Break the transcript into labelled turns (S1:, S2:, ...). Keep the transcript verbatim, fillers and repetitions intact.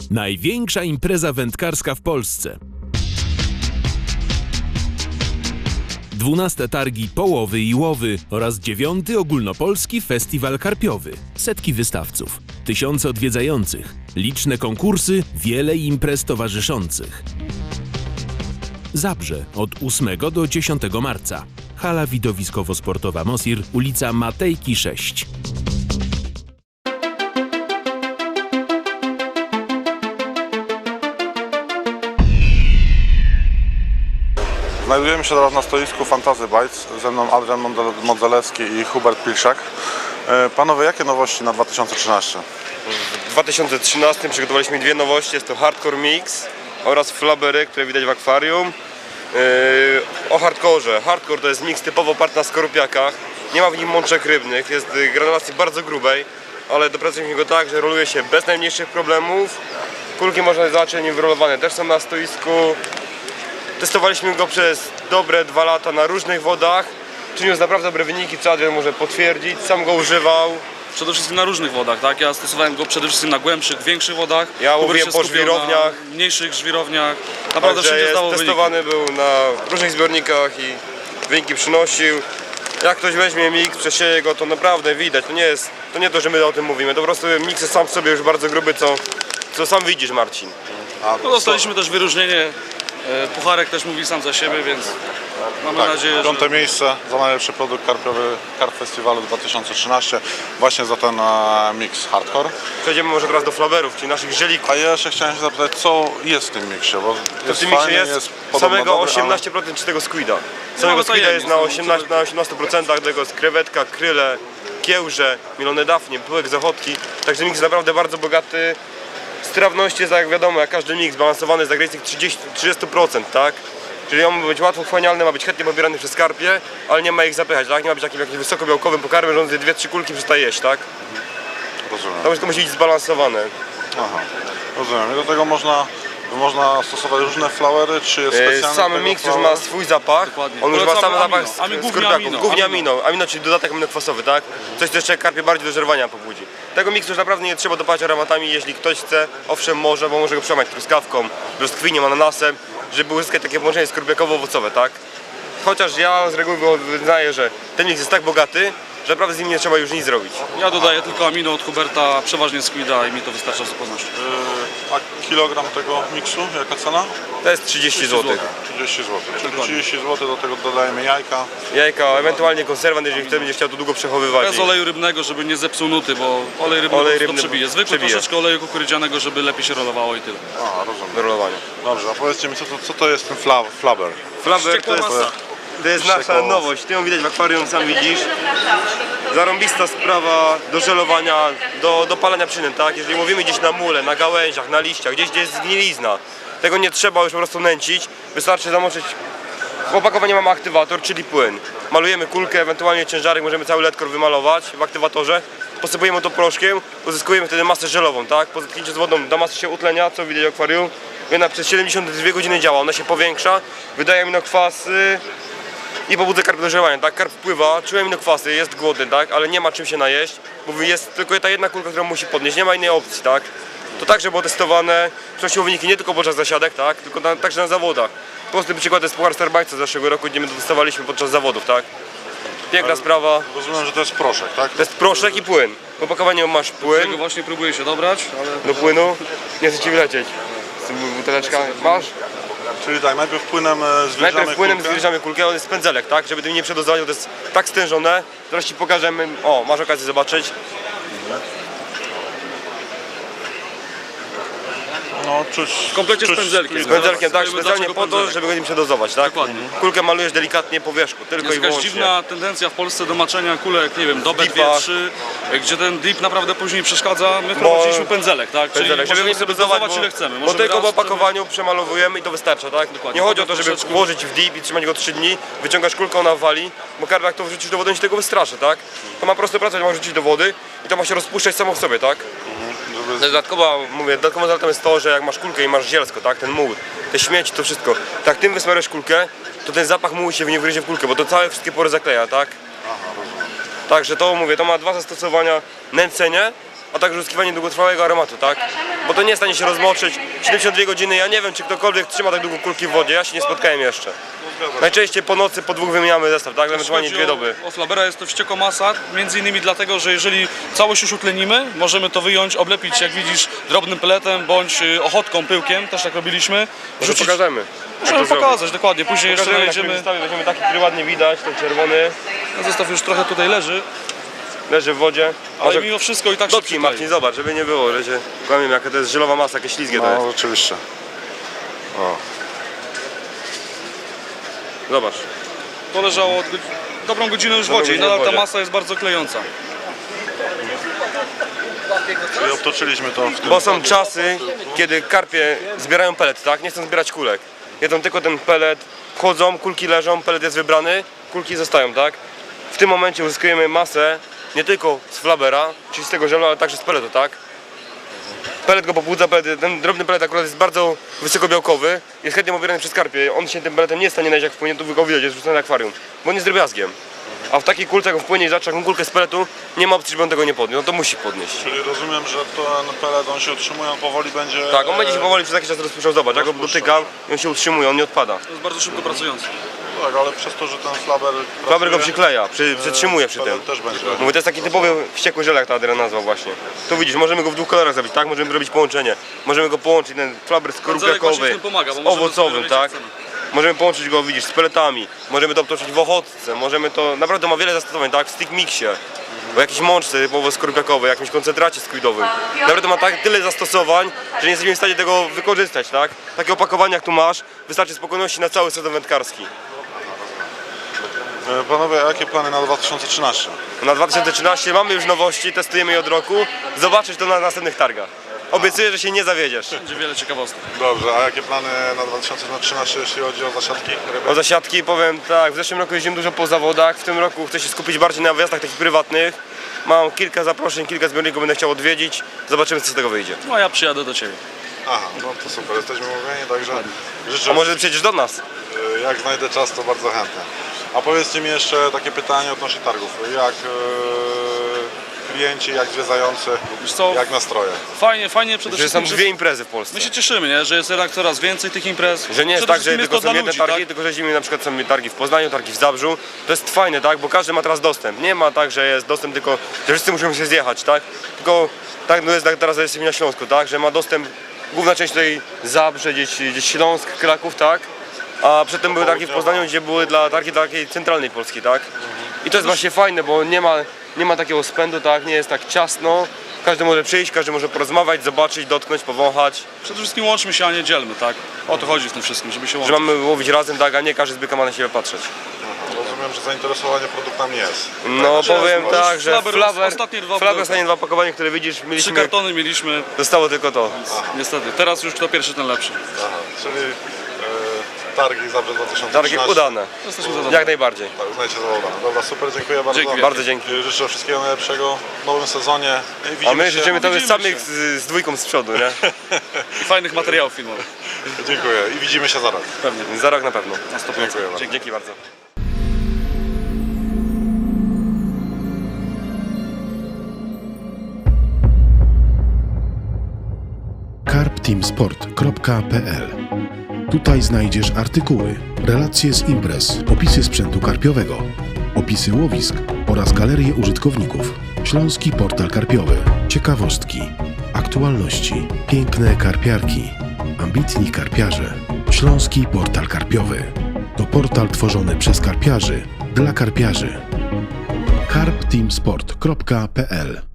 S1: Największa impreza wędkarska w Polsce. Dwunaste targi Połowy i Łowy oraz dziewiąty ogólnopolski festiwal karpiowy. Setki wystawców, tysiące odwiedzających, liczne konkursy, wiele imprez towarzyszących. Zabrze od ósmego do dziesiątego marca. Hala widowiskowo-sportowa Mosir, ulica Matejki sześć.
S2: Znajdujemy się teraz na stoisku Fantasy Bites. Ze mną Adrian Modzelewski i Hubert Pilszak. Panowie, jakie nowości na dwa tysiące trzynasty?
S3: W dwa tysiące trzynastym przygotowaliśmy dwie nowości. Jest to Hardcore Mix oraz Flabbery, które widać w akwarium. Yy, o hardkorze. Hardcore to jest mix typowo oparty na skorupiakach. Nie ma w nim mączek rybnych, jest granulacji bardzo grubej, ale dopracowaliśmy go tak, że roluje się bez najmniejszych problemów. Kulki można zobaczyć nim wyrolowane też są na stoisku. Testowaliśmy go przez dobre dwa lata na różnych wodach. Przyniósł naprawdę dobre wyniki, co Adrian może potwierdzić. Sam go używał.
S4: Przede wszystkim na różnych wodach, tak? Ja stosowałem go przede wszystkim na głębszych, większych wodach.
S3: Ja
S4: Hubert
S3: mówiłem
S4: się
S3: po
S4: skupiał
S3: żwirowniach.
S4: na mniejszych żwirowniach. Naprawdę
S3: Także
S4: wszędzie
S3: jest
S4: zdało wyniki.
S3: testowany był na różnych zbiornikach i wyniki przynosił. Jak ktoś weźmie mix, przesieje go, to naprawdę widać. To nie jest, to nie to, że my o tym mówimy. To po prostu mix jest sam w sobie już bardzo gruby, co, co sam widzisz, Marcin.
S2: A
S4: No, dostaliśmy też wyróżnienie. E, Pucharek też mówi sam za siebie, więc mamy
S2: tak,
S4: nadzieję,
S2: piąte
S4: że...
S2: miejsce za najlepszy produkt karpiowy Karp Festiwalu dwa tysiące trzynasty. Właśnie za ten e, mix hardcore.
S3: Przejdziemy może teraz do flaberów, czyli naszych żelików.
S2: A ja jeszcze chciałem się zapytać, co jest w tym miksie, bo
S3: To
S2: jest
S3: w tym mixie
S2: fajny,
S3: jest,
S2: jest podobno
S3: samego
S2: dobry,
S3: osiemnaście procent czystego squida. Samego
S4: No,
S3: squida
S4: tajemnic,
S3: jest na,
S4: no,
S3: osiemnaście, na osiemnaście procent, tego jest krewetka, kryle, kiełże, mielone dafnie, pyłek z ochotki. Także mix jest naprawdę bardzo bogaty. Strawność jest, jak wiadomo, jak każdy mix, balansowany jest za granicą trzydzieści procent, tak? Czyli on ma być łatwo wchłanialny, ma być chętnie pobierany przez karpie, ale nie ma ich zapychać, tak? Nie ma być takim jakimś wysokobiałkowym pokarmem, że on zje dwie trzy kulki przestaje jeść, tak?
S2: Rozumiem.
S3: To wszystko musi być zbalansowane.
S2: Aha, rozumiem. I do tego można, można stosować różne flowery, czy jest
S3: E,
S2: specjalny
S3: Sam
S2: tego
S3: mix już
S2: flower?
S3: ma swój zapach.
S4: Dokładnie.
S3: On już ma sam
S4: Polecamy
S3: zapach
S4: amino.
S3: z,
S4: Ami-
S3: z
S4: głównie
S3: kurczaków.
S4: amino,
S3: Głównie
S4: amino.
S3: amino. Amino, czyli dodatek aminokwasowy, tak? Coś, co jeszcze karpie bardziej do żerowania pobudzi. Tego miksu już naprawdę nie trzeba dopalać aromatami, jeśli ktoś chce. Owszem może, bo może go przełamać truskawką, brzoskwinią, ananasem, żeby uzyskać takie połączenie skorpiakowo-owocowe, tak? Chociaż ja z reguły wyznaję, że ten mix jest tak bogaty, że naprawdę z nim nie trzeba już nic zrobić.
S4: Ja dodaję tylko amino od Huberta, przeważnie squida i mi to wystarcza w zupełności.
S2: Yy, a kilogram tego miksu, jaka cena?
S3: To jest trzydzieści złotych.
S2: trzydzieści złotych. Czyli
S4: Dokładnie.
S2: trzydzieści złotych, do tego dodajemy jajka.
S3: Jajka, ewentualnie konserwant, jeżeli ktoś będzie chciał to długo przechowywać.
S4: Bez oleju rybnego, żeby nie zepsuł nuty, bo olej rybny
S3: Olej
S4: Olej
S3: rybny
S4: to przebije. Zwykły
S3: przebije.
S4: troszeczkę oleju kukurydzianego, żeby lepiej się rolowało i tyle.
S2: Aha, rozumiem.
S3: do rolowania.
S2: Dobrze, a powiedzcie mi, co to, co to jest ten fla, flabber?
S3: Flaber to
S4: Wściekła
S3: jest,
S4: masa.
S3: to jest nasza
S2: Wściekła
S3: nowość. Ty ją widać w akwarium, sam widzisz. Zarąbista sprawa do żelowania, do, do palenia przynęt, tak? Jeżeli mówimy gdzieś na mule, na gałęziach, na liściach, gdzieś gdzie jest zgnilizna, tego nie trzeba już po prostu nęcić. Wystarczy zamoczyć. W opakowaniu mamy aktywator, czyli płyn. Malujemy kulkę, ewentualnie ciężarek, możemy cały ledkor wymalować w aktywatorze. Posypujemy to proszkiem, uzyskujemy wtedy masę żelową, tak? Po zetknięciu z wodą ta masa się utlenia, co widać w akwarium. I ona przez siedemdziesiąt dwie godziny działa, ona się powiększa, wydaje aminokwasy i pobudza karp do żerowania, tak? Karp wpływa, czuje aminokwasy, jest głodny, tak? Ale nie ma czym się najeść, bo jest tylko ta jedna kulka, którą musi podnieść, nie ma innej opcji, tak? To także było testowane, przynosiło wyniki nie tylko podczas zasiadek, tak? Tylko na, także na zawodach. Prosty przykład jest Puchar Starbajca z zeszłego roku, gdzie my to testowaliśmy podczas zawodów, tak? Piękna sprawa.
S2: Rozumiem, że to jest proszek, tak?
S3: To jest proszek i płyn. W opakowaniu masz
S4: Tego
S3: płyn,
S4: właśnie próbuję się dobrać, ale...
S3: do płynu. Nie chcę ci wlecieć. Z tym buteleczka masz?
S2: Czyli tak, najpierw płynem e, zwilżamy
S3: Najpierw płynem
S2: kulkę.
S3: zwilżamy kulkę, on jest pędzelek, tak? Żeby tym nie przedozować, bo to jest tak stężone. Zaraz ci pokażemy. O, masz okazję zobaczyć.
S2: No, czuć,
S4: W komplecie z
S2: czuć
S4: pędzelkiem.
S3: Z
S2: squida.
S3: pędzelkiem, tak?
S4: Wiemy,
S3: Specjalnie
S4: dlaczego
S3: po to,
S4: pędzelek.
S3: żeby go nie przedozować, tak?
S4: Dokładnie.
S3: Kulkę malujesz delikatnie po wierzchu, tylko
S4: Jest
S3: i
S4: jakaś
S3: wyłącznie.
S4: dziwna tendencja w Polsce do maczenia kulek, nie wiem, do B dwa,
S3: dipach.
S4: trzy, gdzie ten dip naprawdę później przeszkadza. My wprowadziliśmy pędzelek, tak?
S3: Pędzelek,
S4: Czyli
S3: żeby nie
S4: możemy sobie
S3: przedozować,
S4: dozować
S3: bo,
S4: ile chcemy.
S3: bo
S4: Możemy
S3: tylko w
S4: raz,
S3: opakowaniu przemalowujemy i to wystarcza, tak?
S4: Dokładnie.
S3: Nie chodzi o to, żeby
S4: Troszeczkę.
S3: włożyć w dip i trzymać go trzy dni, wyciągasz kulkę, ona wali, bo karp jak to wrzucisz do wody, on się tego wystraszy, tak? To ma prostą pracę, ma wrzucić do wody i to ma się rozpuszczać samo w sobie, tak?
S2: Żeby...
S3: Dodatkowa, mówię, dodatkową zaletą jest to, że jak masz kulkę i masz zielsko, tak, ten muł, te śmieci, to wszystko, tak tym wysmarujesz kulkę, to ten zapach mułu się w nie wgryzie w kulkę, bo to całe wszystkie pory zakleja, tak? Także to mówię, to ma dwa zastosowania, nęcenie a także uzyskiwanie długotrwałego aromatu, tak? Bo to nie jest w stanie się rozmoczyć. siedemdziesiąt dwie godziny, ja nie wiem, czy ktokolwiek trzyma tak długo kulki w wodzie, ja się nie spotkałem jeszcze. Najczęściej po nocy, po dwóch wymieniamy zestaw, tak? Ewentualnie dwie doby.
S4: O flabera jest to wściekła masa, między innymi dlatego, że jeżeli całość już utlenimy, możemy to wyjąć, oblepić, jak widzisz, drobnym peletem bądź y, ochotką, pyłkiem, też tak robiliśmy.
S3: Może pokażemy.
S4: Możemy pokazać, dokładnie, później jeszcze
S3: Pokażemy, na którym
S4: znajdziemy.
S3: zestawie weźmiemy taki, który ładnie widać, ten czerwony,
S4: Zestaw już trochę tutaj leży,
S3: leży w wodzie.
S4: ale mimo wszystko i tak się
S3: Dotknij,
S4: przyklei.
S3: Marcin, zobacz, żeby nie było, że się kłamiemy, jaka to jest żelowa masa, jakie ślizgie to jest.
S2: No oczywiście. O.
S4: Zobacz. To leżało od godz- dobrą godzinę już w
S3: Dobrą
S4: wodzie i
S3: godzinę w
S4: nadal ta
S3: wodzie.
S4: masa jest bardzo klejąca.
S2: Czyli obtoczyliśmy to w tym.
S3: Bo są czasy, kiedy karpie zbierają pelet, tak? Nie chcą zbierać kulek. Jedzą tylko ten pelet, chodzą, kulki leżą, pelet jest wybrany, kulki zostają, tak? W tym momencie uzyskujemy masę nie tylko z flabera, czyli z tego żelu, ale także z peletu, tak? Pelet go pobudza, pelet, ten drobny pelet akurat jest bardzo wysokobiałkowy, jest chętnie pobierany przez karpie. On się tym peletem nie jest w stanie znaleźć, jak wpłynie, tu go widać, jest wrzucony na akwarium, bo on jest drobiazgiem. A w takiej kulce, jak on wpłynie i zacznie taką kulkę z peletu, nie ma opcji, żeby on tego nie podniósł, no to musi podnieść.
S2: Czyli rozumiem, że ten pelet, on się utrzymuje, on powoli będzie...
S3: Tak, on będzie się powoli przez jakiś czas rozpuszczał, zobacz, jak go
S2: Rozpuszczał.
S3: dotykam i on się utrzymuje, on nie odpada.
S4: To jest bardzo szybko pracujący.
S2: Tak, ale przez to, że ten flaber...
S3: Flaber go
S2: pracuje,
S3: przykleja, przy, przytrzymuje przy tym.
S2: pelet też będzie.
S3: Mówię, to jest taki typowy wściekły żel, jak ta Adrian nazwał właśnie. Tu widzisz, możemy go w dwóch kolorach zrobić, tak? Możemy zrobić połączenie. Możemy go połączyć, ten flaber
S4: Zelek właśnie w
S3: skorupiakowy,
S4: tym pomaga, bo
S3: z
S4: możemy
S3: owocowym,
S4: sobie
S3: tak?
S4: robić, jak
S3: Możemy połączyć go, widzisz, z peletami. Możemy to obtoczyć w ochotce, możemy to... Naprawdę ma wiele zastosowań, tak? W stick mixie. O jakiejś mączce typowo skorupiakowej, jakimś koncentracie squidowym. Naprawdę ma tak tyle zastosowań, że nie jesteśmy w stanie tego wykorzystać, tak? Takie opakowanie jak tu masz, wystarczy spokojności na cały sezon wędkarski.
S2: E, Panowie, a jakie plany na dwa tysiące trzynasty?
S3: Na dwa tysiące trzynasty mamy już nowości, testujemy je od roku. Zobaczysz to na następnych targach. Obiecuję, że się nie zawiedziesz.
S4: Będzie wiele ciekawostek.
S2: Dobrze, a jakie plany na dwa tysiące trzynasty, jeśli chodzi o zasiadki ryby?
S3: O zasiadki powiem tak, w zeszłym roku jeździłem dużo po zawodach, w tym roku chcę się skupić bardziej na wyjazdach takich prywatnych. Mam kilka zaproszeń, kilka zbiorników będę chciał odwiedzić. Zobaczymy, co z tego wyjdzie.
S4: No a ja przyjadę do Ciebie.
S2: Aha, no to super, jesteśmy umówieni, także życzę,
S3: A może przyjedziesz do nas?
S2: e, jak znajdę czas, to bardzo chętnie. A powiedzcie mi jeszcze takie pytanie odnośnie targów. Jak e, klienci, jak zwiedzający,
S4: Wiesz co,
S2: jak nastroje?
S4: fajnie, fajnie przede
S3: Że są
S4: wszystkim, że
S3: dwie imprezy w Polsce.
S4: my się cieszymy, nie? Że jest jednak coraz więcej tych imprez.
S3: Że nie jest
S4: Przede
S3: tak, że
S4: wszystkim
S3: tylko
S4: to
S3: są
S4: dla
S3: jedne
S4: ludzi,
S3: targi,
S4: tak?
S3: tylko że zimy na przykład są targi w Poznaniu, targi w Zabrzu. To jest fajne, tak? Bo każdy ma teraz dostęp. Nie ma tak, że jest dostęp tylko, że wszyscy muszą się zjechać, tak? Tylko tak no jest tak teraz jesteśmy na Śląsku, tak? Że ma dostęp główna część tutaj Zabrze, gdzieś, gdzieś Śląsk, Kraków, tak? A przedtem były targi w Poznaniu, gdzie były dla targi dla takiej centralnej Polski, tak? I to jest właśnie fajne, bo nie ma, nie ma takiego spędu, tak? Nie jest tak ciasno. Każdy może przyjść, każdy może porozmawiać, zobaczyć, dotknąć, powąchać.
S4: Przede wszystkim łączmy się, a nie dzielmy, tak? O to chodzi w tym wszystkim, żeby się
S3: Że
S4: łączyć.
S3: mamy łowić razem, tak? A nie każdy z byka ma na siebie patrzeć.
S2: Rozumiem, że zainteresowanie produktami jest.
S3: No powiem
S4: już
S3: tak, że
S4: Flaber-
S3: Flaber,
S4: ostatnie dwa
S3: Flaber
S4: były.
S3: ostatnie dwa opakowania, które widzisz,
S4: Trzy
S3: mieliśmy,
S4: kartony mieliśmy,
S3: zostało tylko to.
S4: niestety. Teraz już kto pierwszy, ten lepszy.
S2: Aha, czyli e, targi Zabrze dwa tysiące
S3: Targi
S2: trzynaście.
S3: udane,
S4: Jesteśmy zadowoleni.
S3: jak najbardziej.
S2: Tak, uznajcie za udane. Dobra, super, dziękuję bardzo.
S4: Dzięki.
S3: Bardzo dzięki.
S2: I życzę wszystkiego najlepszego w nowym sezonie. I widzimy
S3: A my
S2: się.
S3: życzymy tobie
S4: widzimy
S3: samych
S4: się.
S3: z, z dwójką z przodu, nie?
S4: I fajnych materiałów filmowych.
S2: Dziękuję i widzimy się za rok.
S4: Pewnie.
S3: Za rok na pewno.
S4: Na sto procent.
S2: Dziękuję bardzo.
S3: Dzięki, dzięki bardzo.
S5: karp team sport kropka p l. Tutaj znajdziesz artykuły, relacje z imprez, opisy sprzętu karpiowego, opisy łowisk oraz galerie użytkowników. Śląski portal karpiowy, ciekawostki, aktualności, piękne karpiarki, ambitni karpiarze. Śląski portal karpiowy to portal tworzony przez karpiarzy dla karpiarzy. karp team sport kropka p l